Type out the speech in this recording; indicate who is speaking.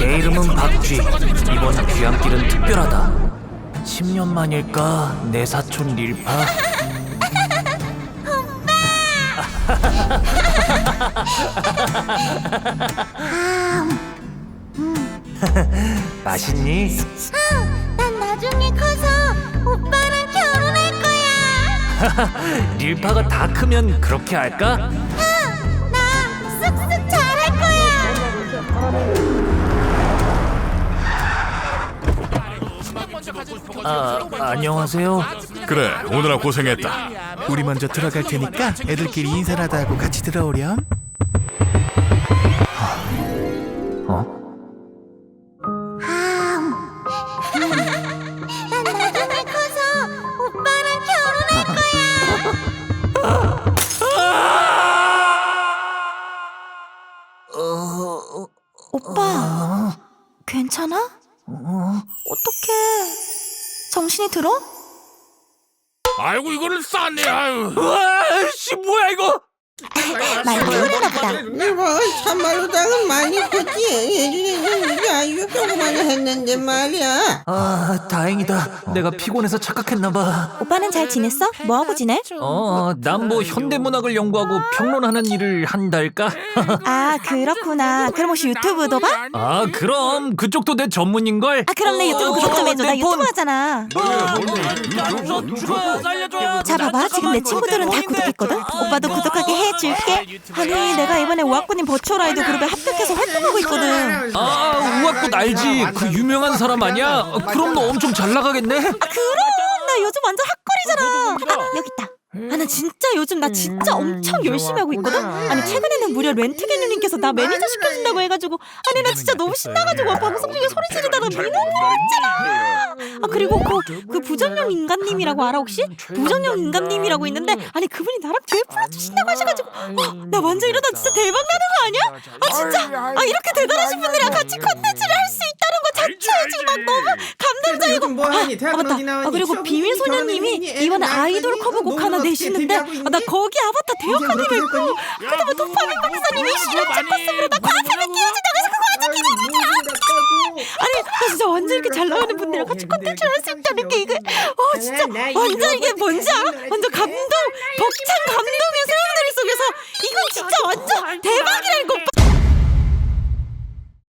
Speaker 1: 내 이름은 박쥐. 이번 귀향길은 특별하다. 10년 만일까 내 사촌 릴파. 맛있니?
Speaker 2: 난 나중에 커서 오빠랑 결혼할 거야.
Speaker 1: 릴파가 다 크면 그렇게 할까?
Speaker 2: 나 쓱쓱 잘할 거야.
Speaker 1: 안녕하세요.
Speaker 3: 그래, 오늘아 고생했다.
Speaker 4: 우리 먼저 들어갈 테니까 애들끼리 인사라도 하고 같이 들어오렴.
Speaker 2: 난 나중에 커서 오빠랑 결혼할 거야. 오빠, 괜찮아? 어떡해? 정신이 들어?
Speaker 3: 아이고 이거를 쌌네. 아유.
Speaker 1: 씨 뭐야 이거?
Speaker 2: 많이 피곤했나 보다.
Speaker 5: 뭐 참말로 당은 많이 컸지. 예전에는 이게 아주 조그만 했는데 말이야.
Speaker 1: 다행이다. 내가 피곤해서 착각했나봐.
Speaker 2: 오빠는 잘 지냈어? 뭐하고 지내?
Speaker 1: 난 뭐 현대문학을 연구하고 평론하는 일을 한달까?
Speaker 2: 아, 그렇구나. 그럼 혹시 유튜브도 봐?
Speaker 1: 그럼 그쪽도 내 전문인걸?
Speaker 2: 그럼 내 유튜브 구독 좀 해줘. 나 유튜브 하잖아.
Speaker 1: 살려줘.
Speaker 2: 자, 봐봐. 지금 내 친구들은 다 구독했거든? 오빠도 구독하게 해줄게. 아니, 내가 이번에 우아꾸님 버추얼 아이돌 그룹에 합격해서 활동하고 있거든.
Speaker 1: 우악꽃 알지? 그 유명한 사람 아니야? 그럼 너 엄청 잘 나가겠네?
Speaker 2: 그럼! 나 요즘 완전 핫걸이잖아. 여기 있다. 나 진짜 요즘 나 진짜 엄청 열심히 하고 있거든? 아니, 최근에는 무려 렌트게누님께서 나 매니저 시켜준다고 해가지고, 아니, 나 진짜 너무 신나가지고 방송 중에 소리 지르다가 민호했잖아. 그리고 그 부정형 인간님이라고 알아, 혹시? 부정형 인간님이라고 있는데, 아니, 그분이 나랑 듀엣 불러주신다고 하셔가지고, 나 완전 이러다 진짜 대박 나는 거 아니야? 진짜! 이렇게 대단하신 분들이랑 같이 콘텐츠를 할 수 있다는 거 자체가 지금 막 너무 감동적이고.
Speaker 5: 뭐하니? 대학은
Speaker 2: 맞다.
Speaker 5: 어디 나왔니?
Speaker 2: 그리고
Speaker 5: 시험
Speaker 2: 비밀소녀님이
Speaker 5: 결혼했니?
Speaker 2: 이번에
Speaker 5: 애는
Speaker 2: 아이돌
Speaker 5: 낳았니?
Speaker 2: 커버곡
Speaker 5: 너무
Speaker 2: 하나
Speaker 5: 어떻게
Speaker 2: 내시는데,
Speaker 5: 데뷔하고 있니?
Speaker 2: 나 거기 아바타 대역하기로
Speaker 5: 그렇게
Speaker 2: 했고,
Speaker 5: 될
Speaker 2: 그다음에 도파민 박사님이 실험체 코스프로 나 과탐에 끼워준다고 해서 그거 완전 아니, 나 진짜 완전 이렇게 잘 나가는 분들이랑 같이 콘텐츠를 할 수 있다는 게 이게 진짜 완전 이게 뭔지 알아? 완전 감동, 벅찬 감동의 소용돌이 속에서 이건 진짜 완전 대박이라는 거.